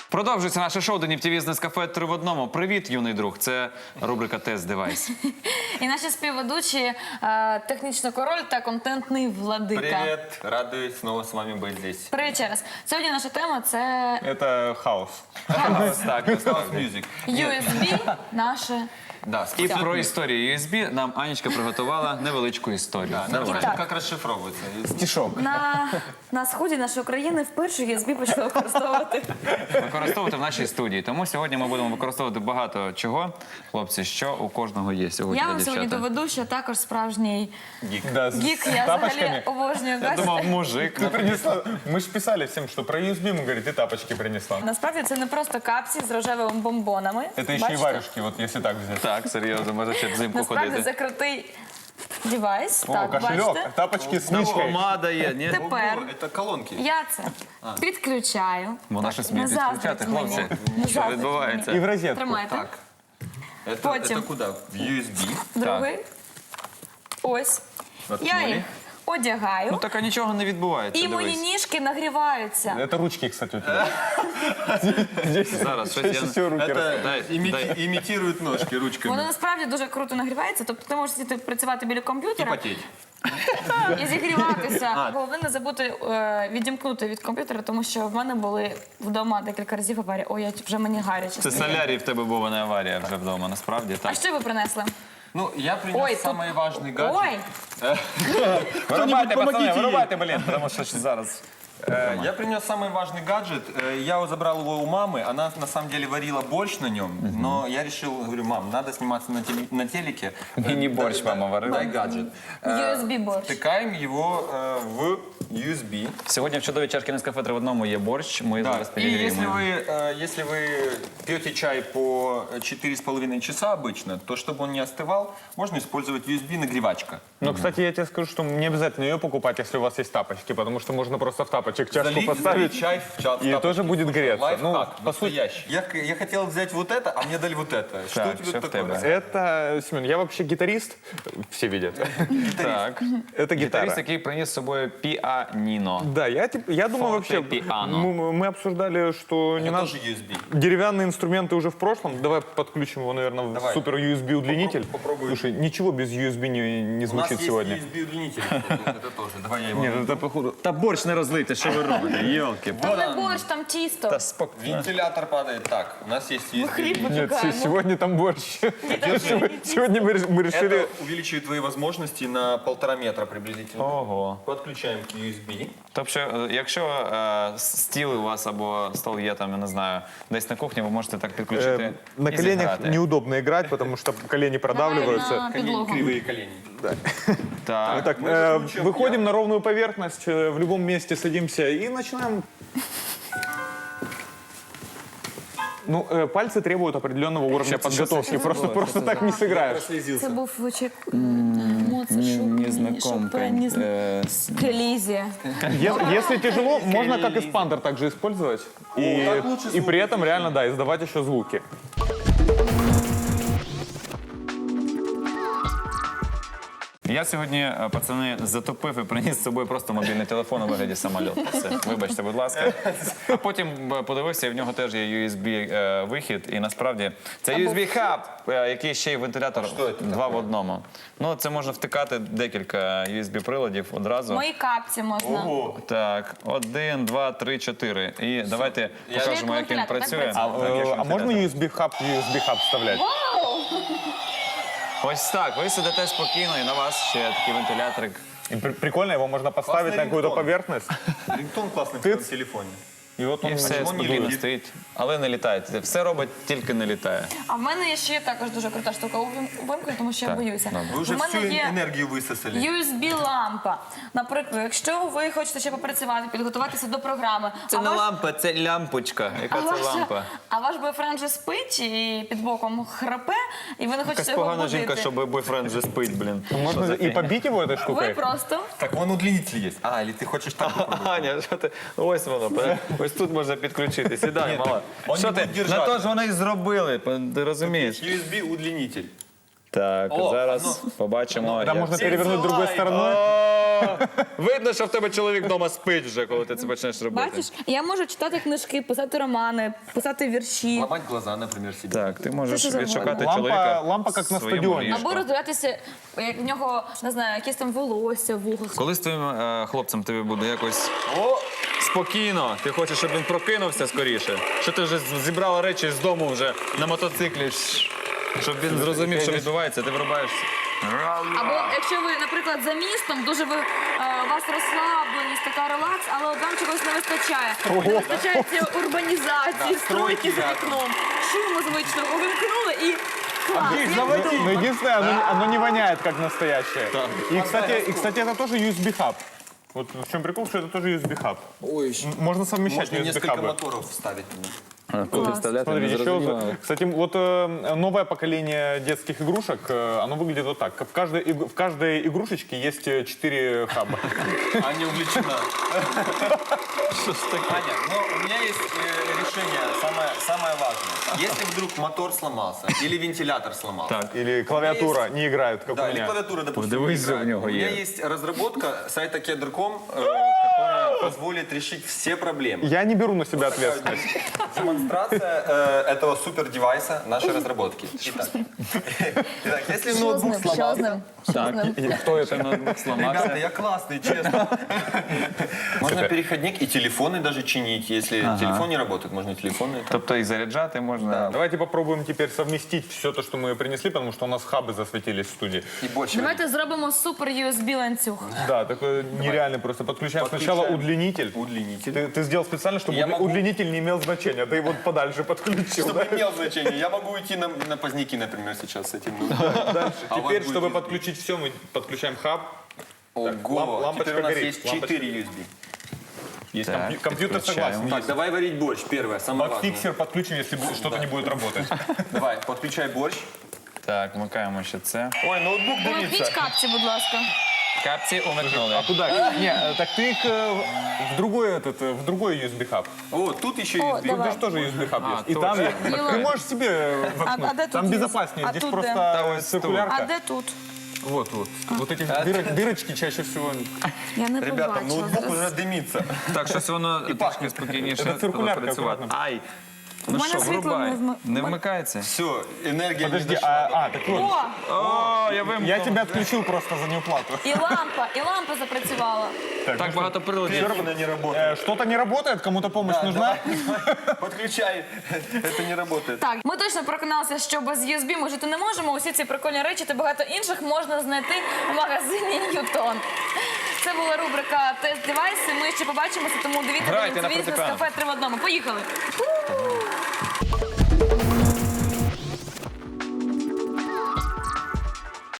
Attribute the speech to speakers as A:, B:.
A: Продовжується наше шоу «Денів ТВ» з Нескафе 3 в одному. Привіт, юний друг. Це рубрика «Тест Девайс».
B: І наші співведучі технічний король та контентний владика.
C: Привет, радуюсь снова с вами быть здесь.
B: Привіт ще раз. Сьогодні наша тема – це
D: Это хаос.
A: Так,
C: House Music.
B: USB наше.
C: Да,
A: і про історію USB нам Анечка приготувала невеличку історію.
C: нормально.
B: Так.
C: Как расшифровывается?
D: Стишок.
B: На сході нашої країни вперше USB почали
A: Використовувати в нашій студії. Тому сьогодні ми будемо використовувати багато чого. Хлопці, що у кожного є сьогодні
B: Я
A: для
B: вам сьогодні
A: дівчата?
B: доведу, що також справжній
D: Да,
B: гік.
D: с
B: Я взагалі
D: тапочками.
B: обожнюю гаджети.
A: Думав, мужик.
D: Ты принесла, мы же писали всем, что про USB, мы говорит, ты тапочки принесла.
B: Насправді це не просто капці з рожевими бомбонами.
D: Это еще и
B: Бачите?
D: варежки, вот если так взять.
A: Так, серйозно, може ще взимку
B: Насправді
A: ходити.
B: це крутий девайс.
D: О,
B: Так,
D: кошелек,
B: бачите?
D: тапочки с нычкой.
A: Помада є, ні?
B: Тепер
C: Это колонки.
B: я це підключаю.
A: Вона щось вміє
B: Не
A: підключати,
B: заздріть мені.
A: хлопці.
B: Не
A: Що
B: заздріть
A: відбувається?
D: И в розетку.
B: Тримайте.
C: Так.
B: Потім.
C: Это куда? В USB?
B: Другий. Ось. Я їх одягаю.
A: Ну так а нічого не відбувається,
B: І мої
A: дивись.
B: ніжки нагріваються.
D: Это ручки, кстати, у тебя. Здесь
A: Зараз, щось я...
D: все руки
C: Это
A: Дай.
C: имитирует ножки ручками.
B: Воно насправді дуже круто нагрівається. Тобто ти можеш сидіти працювати біля
C: И
B: комп'ютера
C: потеть.
B: і зігріватися. Головне не забути відімкнути від комп'ютера, тому що в мене були вдома декілька разів аварії. Ой, я вже мені гаряче.
A: Це солярій в тебе був, а не аварія вже вдома, насправді,
B: А
A: так.
B: що ви принесли?
C: Ну, я принес
B: Ой, тут-
C: самый важный гаджет.
B: Ой,
A: Вирубайте, пацани,
C: помогите
A: вирубайте, блін, тому що ж зараз...
C: Я принес самый важный гаджет. Я забрал его у мамы. Она на самом деле варила борщ на нем. Но я решил, говорю, мам, надо сниматься на телеке.
A: Мини-борщ мама варила.
C: Дай гаджет.
B: USB борщ.
C: Втыкаем его в USB.
A: Сьогодні в чудовій чашки Нескафе 3 в одному є борщ, ми
C: Да.
A: зараз
C: И если
A: підігріємо.
C: если вы пьете чай по 4,5 часа обычно, то чтобы он не остывал, можно использовать USB-нагревачка.
D: Но, кстати, я тебе скажу, что не обязательно ее покупать, если у вас есть тапочки, потому что можно просто в тапочек чашку поставить,
C: чай в чат.
D: и тоже будет греться.
C: Лайфхак,
D: Ну, по сути,
C: настоящий. Я хотел взять вот это, а мне дали вот это. Что
A: Так,
C: тебе
A: что в
C: такое?
A: тебе?
D: это, Семен, я вообще гитарист, все видят.
A: Так.
D: Это
A: Гітарист,
D: гитара.
A: який приніс з собою піаніно.
D: Да, я думаю, вообще,
A: Фортепиано.
D: мы обсуждали, что не
C: Это
D: надо...
C: тоже USB.
D: Деревянные инструменты уже в прошлом. Давай подключим его, наверное, в
C: Давай.
D: супер USB удлинитель.
C: Попробуй.
D: Слушай, ничего без USB не
C: У нас
D: звучит
C: есть
D: сегодня.
C: USB-удлинитель. Это тоже. Давай я его...
D: Нет, это походу.
A: Та борщ не розлийте, що ви робите, йолки.
B: Там не борщ, там тісто.
A: Та спокійно.
C: Вентилятор падает. Так, у нас есть USB.
B: Хліб
D: Нет,
B: випікаємо.
D: сегодня там борщ. Сегодня мы решили...
C: Это увеличивает твои возможности на 1,5 метра приблизительно.
A: Ого.
C: Подключаем к USB.
A: Тобто, якщо стіл у вас або стол є там, я не знаю, десь на кухні, ви можете так підключити
D: На
A: і
D: коленях
A: зіграти.
D: неудобно играть, потому что колени продавливаются.
B: На підлогу.
C: Кривые колени.
A: Так.
D: Так, выходим на ровную поверхность, в любом месте садимся и начинаем. Ну, пальцы требуют определенного уровня подготовки. Просто так не сыграешь.
B: Це був вичек Моцарт, Шопен, Келізія.
D: Если тяжело, можно как эспандер также использовать.
C: так лучше
D: И
C: звуки
D: при этом реально, да, издавать еще звуки.
A: Я сьогодні, пацани, затопив і приніс з собою просто мобільний телефон у вигляді самольоту. Все, вибачте, будь ласка. А потім подивився, і в нього теж є USB-вихід. І насправді це USB-хаб, який ще й вентилятор два в одному. Ну, це можна втикати декілька USB-приладів одразу.
B: Мої капці можна.
A: Так, 1, 2, 3, 4. І давайте покажемо, як він
B: вентилятор, так
A: працює.
B: працює?
A: Так, як
D: А можно
A: вентилятор.
D: USB-хаб вставлять?
A: Ось так, ви сидите спокійно, і на вас ще такий вентиляторик.
D: И прикольно, его можно поставить
C: Классный
D: на какую-то
C: рингтон.
D: поверхность.
C: Рингтон классный в твоем телефоне.
D: И вот он
A: І все
C: Чому не
A: спокійно
C: літає?
A: стоїть, але не літає. Все робить, тільки не літає.
B: А в мене є ще також дуже крута штука увімкнена, тому що я
A: Так,
B: боюся.
A: добре.
C: Вы уже
B: У мене
C: всю
B: є
C: энергию высосали.
B: USB-лампа. Наприклад, якщо ви хочете ще попрацювати, підготуватися до програми, а ваш-
A: лампа, це лямпочка. Яка
B: а
A: це
B: ваша-
A: лампа?
B: А ваш бойфренд вже спить і під боком храпе, і ви не хочете
A: Якась
B: його
A: погана
B: будити.
A: жінка, щоб бойфренд вже спить, блін.
D: Можно и побить его этой
B: Ви
D: штукой.
B: просто
C: Так вон удлинитель есть. А, или ты хочешь так попробовать?
A: Аня, що ти? Ось воно, ось тут можна підключити. Сідай, мала.
C: он
A: Що
C: не
A: ти?
C: буде держати.
A: На то ж вони і зробили, ти розумієш?
C: USB-удлинитель.
A: Так,
C: О,
A: зараз побачимо.
D: Там
A: як
D: можно
A: це-
D: перевернуть другой стороной.
A: Видно, що в тебе чоловік вдома спить вже, коли ти це почнеш робити.
B: Бачиш, я можу читати книжки, писати романи, писати вірші.
C: Ломать глаза, например, себе.
A: Так, ти можеш
B: Це що за
A: відшукати
D: лампа-
A: чоловіка.
D: лампа як на
A: в своєму
D: стадіоні.
A: ліжку.
B: Або роздивлятися, як в нього, не знаю, якісь там волосся в вухах.
A: Коли з твоїм хлопцем тобі буде якось спокійно, ти хочеш, щоб він прокинувся скоріше, що ти вже зібрала речі з дому вже на мотоциклі, щоб він зрозумів, що відбувається, ти вирубаєшся.
B: Або якщо ви, наприклад, за містом, дуже ви у вас розслабленість, така релакс, але от вам чогось не вистачає. Не вистачає цієї урбанізації, стройки за вікном, шуму звичного увімкнули і клас.
D: Но единственное, оно не воняет, как настоящее. И, кстати, это тоже USB-хаб. Вот в чем прикол, что это тоже USB-хаб.
C: Ой,
D: Можно совмещать
C: можно несколько
D: USB-хабы.
C: моторов вставить.
A: Куди вставляти,
D: Смотри,
A: не
D: еще,
A: зрозуміло.
D: кстати, вот новое поколение детских игрушек, оно выглядит вот так. В каждой игрушечке есть 4 хаба.
C: Аня увлечена. Аня, но у меня есть решение, самое важное. Если вдруг мотор сломался или вентилятор сломался,
A: Так.
D: Или клавиатура не играет, как у
C: да, или
D: меня.
C: клавиатура, допустим,
A: Подивись,
C: не играет.
A: у него
C: У меня
A: есть.
C: есть разработка сайта Keder.com, которая позволит решить все проблемы.
D: Я не беру на себя ответственность.
C: Демонстрация этого супер девайса нашей разработки. Итак, если
B: Що з
C: ноутбук
B: ним? Що з
C: сломался,
B: ним? Що з ним?
A: Хто це ноутбук сломався?
C: ребята, я классный, честно. Можно переходник и телефоны даже чинить. Если телефон не работает, можно и телефоны.
A: Тобто і заряджати можна.
D: Давайте попробуем теперь совместить все то, что мы принесли, потому что у нас хабы засветились в студии.
C: И больше.
B: Давайте зробимо супер USB ланцюг.
D: Да, такой нереальный просто. Подключаем сначала удлинитель.
C: Удлинитель.
D: Ты сделал специально, чтобы
C: Я могу-
D: удлинитель не имел значения. Ты его подальше подключил.
C: Чтобы
D: да?
C: имел значение. Я могу уйти на поздняки, например, сейчас с этим.
D: Дальше.
C: А у вас
D: Теперь,
C: будет
D: чтобы
C: USB.
D: подключить все, мы подключаем хаб.
C: Ого,
D: лампочка
C: теперь у нас
D: горит,
C: есть
D: лампочка.
C: 4 USB.
D: Есть
A: Так,
D: компьютер
A: подключаем.
D: согласен.
C: Так,
D: Есть.
C: давай варить борщ. Первое, самое важное.
D: Фиксер подключим, если что-то не будет работать.
C: Давай, подключай борщ.
A: Так, вмикаємо ще це.
C: Ой, ноутбук
B: Увімкніть
C: дымится.
B: капці, будь ласка.
A: Капці умикнули.
D: А куда? Не, так ты их в другой USB хаб.
C: О, тут еще
B: О,
C: USB.
D: Тут
B: давай.
D: же тоже USB хаб есть. И
A: точно.
D: там
B: Мило.
D: ты можешь себе
B: А
D: воткнуть.
B: де тут
D: Там
B: есть?
D: безопаснее.
B: А
D: Здесь
B: тут
D: просто
B: де?
A: А
D: циркулярка.
B: А де тут?
D: Вот. Вот эти дырочки чаще всего.
B: Я не
C: Ребята,
B: побачила.
C: ноутбук
B: Зараз.
C: уже дымится.
A: Так, щось воно трішки
C: пахне.
A: спокійніше
D: Це циркулярка
A: працювати.
D: акуратно.
A: Ай!
B: У
A: Ну
B: мене
A: що,
B: світло
A: врубай.
B: не
A: Не вмикається?
C: Все, энергия не
D: Подожди,
C: дошла.
D: так вот.
B: О,
A: О, я вимкнув.
D: Я тебя отключил просто за неуплату.
B: і лампа запрацювала.
A: Так багато приладів.
C: Она не работает.
D: Что-то не работает, кому-то помощь нужна?
C: Подключай. Это не работает.
B: Так, ми точно переконалися, що без USB ми жити не можемо. Усі ці прикольні речі та багато інших можна знайти в магазині Ньютон. Це була рубрика «Тест девайси». Ми ще побачимося, тому дивіться
A: Грайте на
B: «Телевізор» з
A: фортепіано.
B: кафе 3 в одному. Поїхали!